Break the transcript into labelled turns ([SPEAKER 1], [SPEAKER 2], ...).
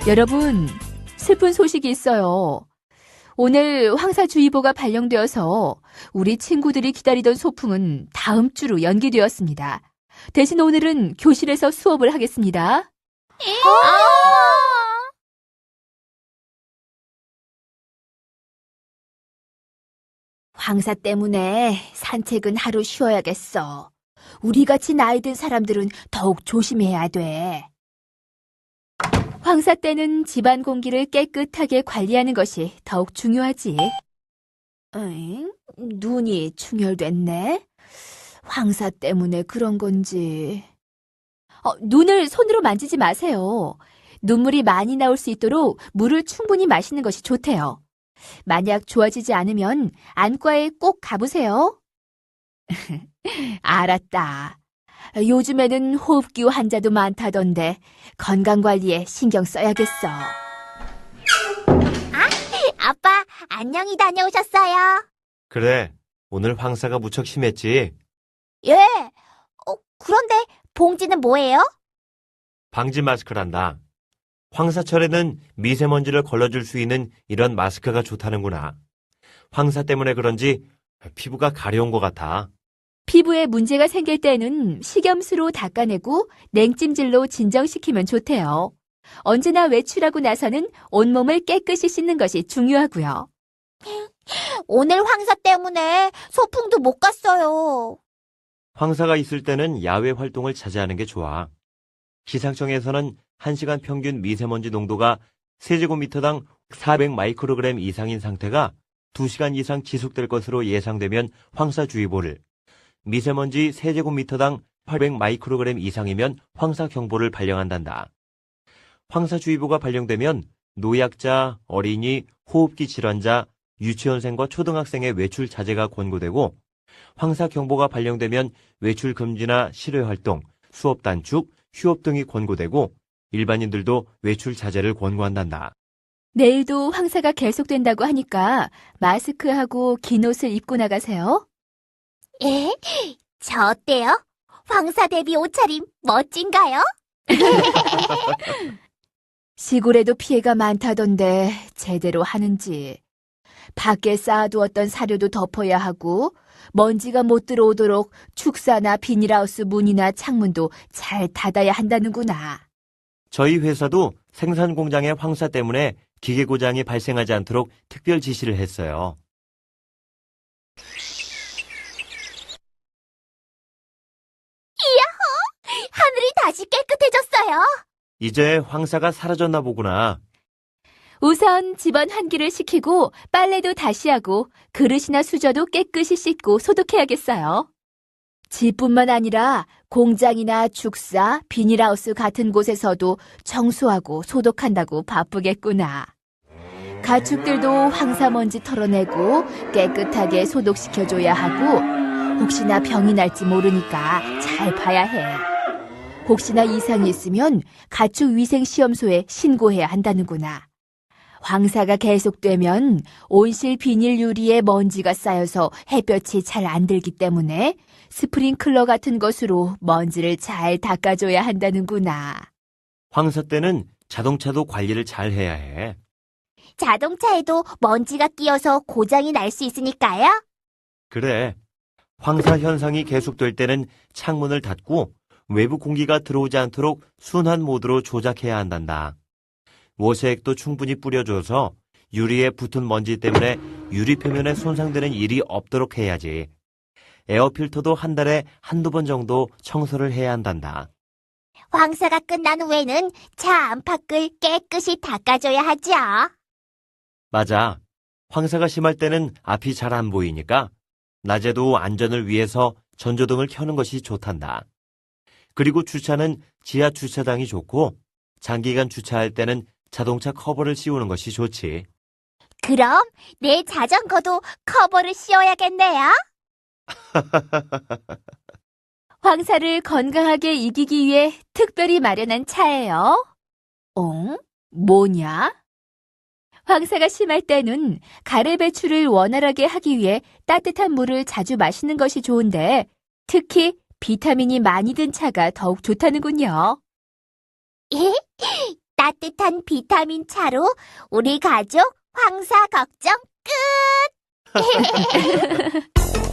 [SPEAKER 1] 여러분, 슬픈 소식이 있어요. 오늘 황사주의보가 발령되어서 우리 친구들이 기다리던 소풍은 다음 주로 연기되었습니다. 대신 오늘은 교실에서 수업을 하겠습니다. 황사 때문에 산책은 하루 쉬어야겠어. 우리같이 나이 든 사람들은 더욱 조심해야 돼. 황사 때는 집안 공기를 깨끗하게 관리하는 것이 더욱 중요하지. 눈이 충혈됐네? 황사 때문에 그런 건지. 눈을 손으로 만지지 마세요. 눈물이 많이 나올 수 있도록 물을 충분히 마시는 것이 좋대요. 만약 좋아지지 않으면 안과에 꼭 가보세요. 알았다. 요즘에는 호흡기후 환자도 많다던데 건강관리에 신경 써야겠어.
[SPEAKER 2] 아빠, 안녕히 다녀오셨어요?
[SPEAKER 3] 그래, 오늘 황사가 무척 심했지?
[SPEAKER 2] 예. 그런데 봉지는 뭐예요?
[SPEAKER 3] 방지 마스크란다. 황사철에는 미세먼지를 걸러줄 수 있는 이런 마스크가 좋다는구나. 황사 때문에 그런지 피부가 가려운 것 같아.
[SPEAKER 1] 피부에 문제가 생길 때는 식염수로 닦아내고 냉찜질로 진정시키면 좋대요. 언제나 외출하고 나서는 온몸을 깨끗이 씻는 것이 중요하고요.
[SPEAKER 2] 오늘 황사 때문에 소풍도 못 갔어요.
[SPEAKER 3] 황사가 있을 때는 야외 활동을 자제하는 게 좋아. 기상청에서는 1시간 평균 미세먼지 농도가 세제곱미터당 400 마이크로그램 이상인 상태가 2시간 이상 지속될 것으로 예상되면 황사주의보를, 미세먼지 세제곱미터당 800 마이크로그램 이상이면 황사경보를 발령한단다. 황사주의보가 발령되면 노약자, 어린이, 호흡기 질환자, 유치원생과 초등학생의 외출 자제가 권고되고, 황사경보가 발령되면 외출 금지나 실외 활동, 수업 단축, 휴업 등이 권고되고 일반인들도 외출 자제를 권고한단다.
[SPEAKER 1] 내일도 황사가 계속된다고 하니까 마스크하고 긴 옷을 입고 나가세요.
[SPEAKER 2] 예? 저 어때요? 황사 대비 옷차림 멋진가요?
[SPEAKER 1] 시골에도 피해가 많다던데 제대로 하는지. 밖에 쌓아두었던 사료도 덮어야 하고 먼지가 못 들어오도록 축사나 비닐하우스 문이나 창문도 잘 닫아야 한다는구나.
[SPEAKER 3] 저희 회사도 생산 공장의 황사 때문에 기계 고장이 발생하지 않도록 특별 지시를 했어요.
[SPEAKER 2] 하늘이 다시 깨끗해졌어요.
[SPEAKER 3] 이제 황사가 사라졌나 보구나.
[SPEAKER 1] 우선 집안 환기를 시키고 빨래도 다시 하고 그릇이나 수저도 깨끗이 씻고 소독해야겠어요. 집뿐만 아니라 공장이나 축사, 비닐하우스 같은 곳에서도 청소하고 소독한다고 바쁘겠구나. 가축들도 황사먼지 털어내고 깨끗하게 소독시켜줘야 하고 혹시나 병이 날지 모르니까 잘 봐야 해. 혹시나 이상이 있으면 가축위생시험소에 신고해야 한다는구나. 황사가 계속되면 온실 비닐 유리에 먼지가 쌓여서 햇볕이 잘 안 들기 때문에 스프링클러 같은 것으로 먼지를 잘 닦아줘야 한다는구나.
[SPEAKER 3] 황사 때는 자동차도 관리를 잘 해야 해.
[SPEAKER 2] 자동차에도 먼지가 끼어서 고장이 날 수 있으니까요.
[SPEAKER 3] 그래. 황사 현상이 계속될 때는 창문을 닫고 외부 공기가 들어오지 않도록 순환 모드로 조작해야 한단다. 워시액도 충분히 뿌려줘서 유리에 붙은 먼지 때문에 유리 표면에 손상되는 일이 없도록 해야지. 에어필터도 한 달에 한두 번 정도 청소를 해야 한단다.
[SPEAKER 2] 황사가 끝난 후에는 차 안팎을 깨끗이 닦아줘야 하죠.
[SPEAKER 3] 맞아. 황사가 심할 때는 앞이 잘 안 보이니까 낮에도 안전을 위해서 전조등을 켜는 것이 좋단다. 그리고 주차는 지하 주차장이 좋고 장기간 주차할 때는 자동차 커버를 씌우는 것이 좋지.
[SPEAKER 2] 그럼 내 자전거도 커버를 씌워야겠네요.
[SPEAKER 1] 황사를 건강하게 이기기 위해 특별히 마련한 차예요. 뭐냐? 황사가 심할 때는 가래 배출을 원활하게 하기 위해 따뜻한 물을 자주 마시는 것이 좋은데 특히 비타민이 많이 든 차가 더욱 좋다는군요.
[SPEAKER 2] 따뜻한 비타민 차로 우리 가족 황사 걱정 끝!